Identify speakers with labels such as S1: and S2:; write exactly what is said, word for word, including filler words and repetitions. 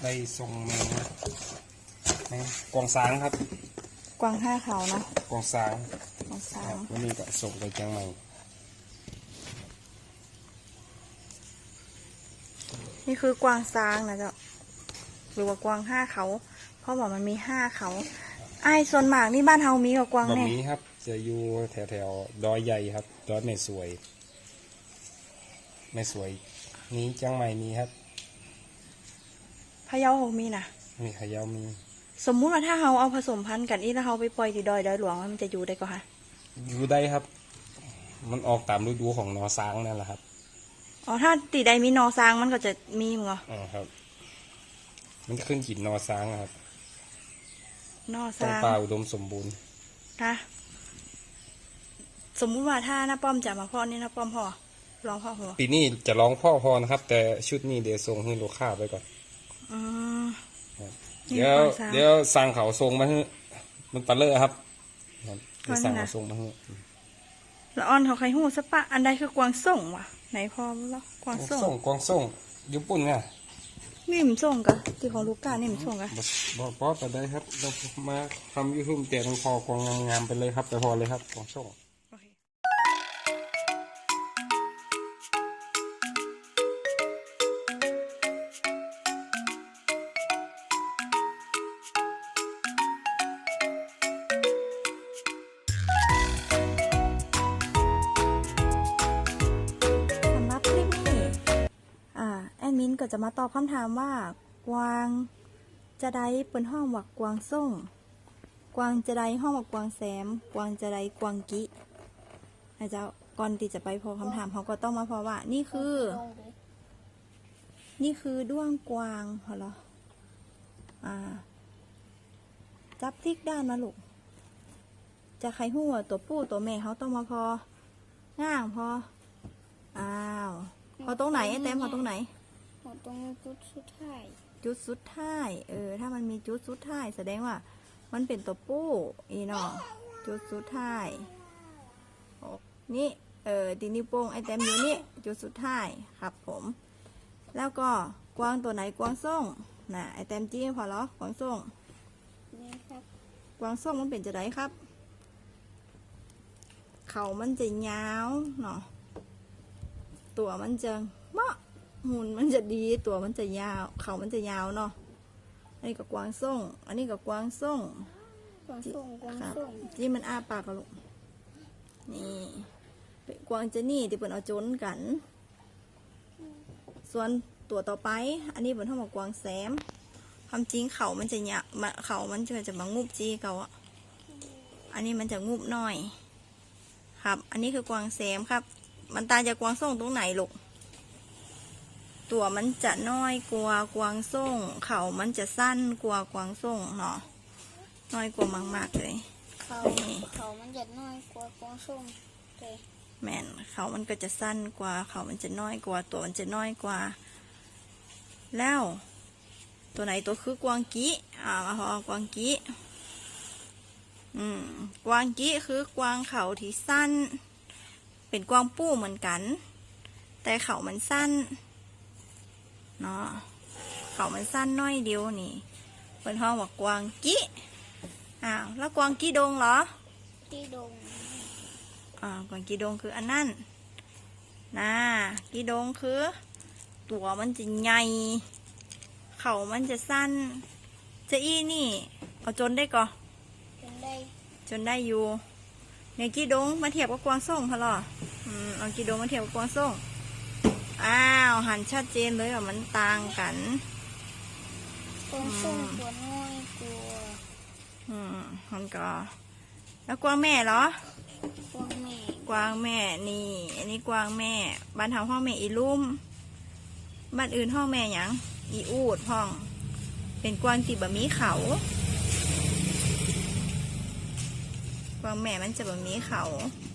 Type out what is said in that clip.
S1: ได้ส่งแมงแมงกวางสางครับ
S2: กวางห้าเขาเนาะ
S1: กวางสาง
S2: กวางสาง
S1: วันนี้ก็ส่งไปเชียงใหม่
S2: นี่คือกวางซางนะเจ้าหรือว่ากวางห้าเขาเพราะว่ามันมีห้าเขาไอ้ส่วนมากนี่บ้านเฮามีกับกวาง
S1: แบบ
S2: เนี่ย
S1: นี้ครับจะอยู่แถวแถวดอยใหญ่ครับดอยแม่สวยแม่สวยนี้เชียงใหม่มีครับ
S2: พะเยาเฮามีนะ
S1: มีพะเยามี
S2: สมมุติว่าถ้าเฮาเอาผสมพันธุ์กันอีแล้วเฮาไปปล่อยที่ดอยดอยหลวงมันจะอยู่ได้ก็คะ
S1: อยู่ได้ครับมันออกตามฤดูของนอซางนั่นแหละครับ
S2: อ๋อถ้าตีใดมีนอซางมันก็จะมีมั้งเหรอ
S1: อ๋อครับมันขึ้นกินนอซางครับ
S2: นอซาง
S1: ต้องป่าอุดมสมบูรณ์
S2: นะสมมุติว่าถ้าน้าป้อมจะมาพ่อนี่น้าป้อมพ่อลองพ่อหัว
S1: ปีนี้จะร้องพ่อพอนะครับแต่ชุดนี้เดี๋ยวส่งให้ลูกค้าไปก่อน
S2: อืม
S1: เดี๋ยวเดี๋ยวสั่งเขาส่งมาให้มันปลาเลอะครับเดี๋ยวสั่งเขาส่งมาให้
S2: ละอ่อนเขาใครหูสปะอันใดคือกวางส่งวะไหนพ่อแล้วกวางส่ง
S1: กวางส่งญี่ปุ่นไง
S2: นี่มันส่งกะที่ของลูกก้านี่มันส่งกะ
S1: บอกพอแต่ได้ครับเรามาทำยูทูบเตียนพอกวางงามๆไปเลยครับไปพอเลยครับกวางส่ง
S2: มิ้นก็จะมาตอบคำถามว่ากวางจะได้เป็นห้องว่ากวางส่งกวางจะได้ห้องว่ากวางแซมกวางจะได้กวางกินะเจ้าก่อนที่จะไปพอคำถามเขาก็ต้องมาพอว่านี่คือ นี่คือด้วงกวางเหรออ่าจับทิกด้านมาลูกจะใครหัวตัวผู้ตัวแม่เขาต้องมาพอง่างพออ้าวพอตรงไหนไอ้แต้มพอตรงไหน
S3: ตรงจุดสุดท้าย
S2: จุดสุดท้ายเออถ้ามันมีจุดสุดท้ายแสดงว่ามันเป็นตัวผู้อีเนาะจุดสุดท้ายนี่เออตีนิ้วโป้งไอแต้มอยู่นี่จุดสุดท้ายครับผมแล้วก็กวางตัวไหนกวางส่งน่ะไอแต้มจี้พอแล้วกวางส่ง
S3: นี่ครับ
S2: กวางส่งมันเป็นจะไดครับเขามันจะยาวเนาะตัวมันจะเมาะหุ่นมันจะดีตัวมันจะยาวเขามันจะยาวเนาะอันนี้กับกวางส่งอันนี้กับกวางส่ง
S3: กวางส่งกวางส่ง
S2: ที่มันอ้าปากกระลุกนี่กวางจะนี่ที่เปิดเอาจนกันส่วนตัวต่อไปอันนี้เป็นทั้งหมดกวางแซมความจริงเขามันจะเนี่ยเขามันจะจะมางุบจีเขาอ่ะอันนี้มันจะงุบหน่อยครับอันนี้คือกวางแซมครับมันตาจากกวางส่งตรงไหนลูกตัวมันจะน้อยกว่ากวางส่งเขามันจะสั้นกว่ากวางส่งเนาะน้อยกว่ามากๆเลย
S3: เขาเขามันจะน้อยกว่ากวางส่งเลย
S2: แม่นเขามันก็จะสั้นกว่าเขามันจะน้อยกว่าตัวมันจะน้อยกว่าแล้วตัวไหนตัวคือกวางกี้อ่ามาพอกวางกี้อืมกวางกี้คือกวางเขาที่สั้นเป็นกวางปู้เหมือนกันแต่เขามันสั้นเนาะเขามันสั้นน้อยเดียวนี่เป็นห้องว่ากวางกี้อ้าวแล้วกวางกี้ดงเหรอ
S3: กี้ดง
S2: อ่ากวางกี้ดงคืออันนั้นนะกี้ดงคือตัวมันจะใหญ่เขามันจะสั้นจะอี้นี่เอาจนได้ก่อ
S3: จนได้
S2: จนได้อยู่เนี่ยกี้ดงมาเทียบกับกวางส่งพะหรออืมเอากี้ดงมาเทียบกับกวางส่งอ้าวหันชัดเจนเลยว่ามันต่างกัน
S3: กวางส่งตัวน้อยกว่า
S2: อืมมันก็แล้วกวางแม่เหร
S3: อกวางแม่
S2: กวางแม่นี่อันนี้กวางแม่บ้านทางห้องแม่อีลุ่มบ้านอื่นห้องแม่หยังอีอูดห้องเป็นกวางตีบะหมี่เขากวางแม่มันจะบะหมี่เขา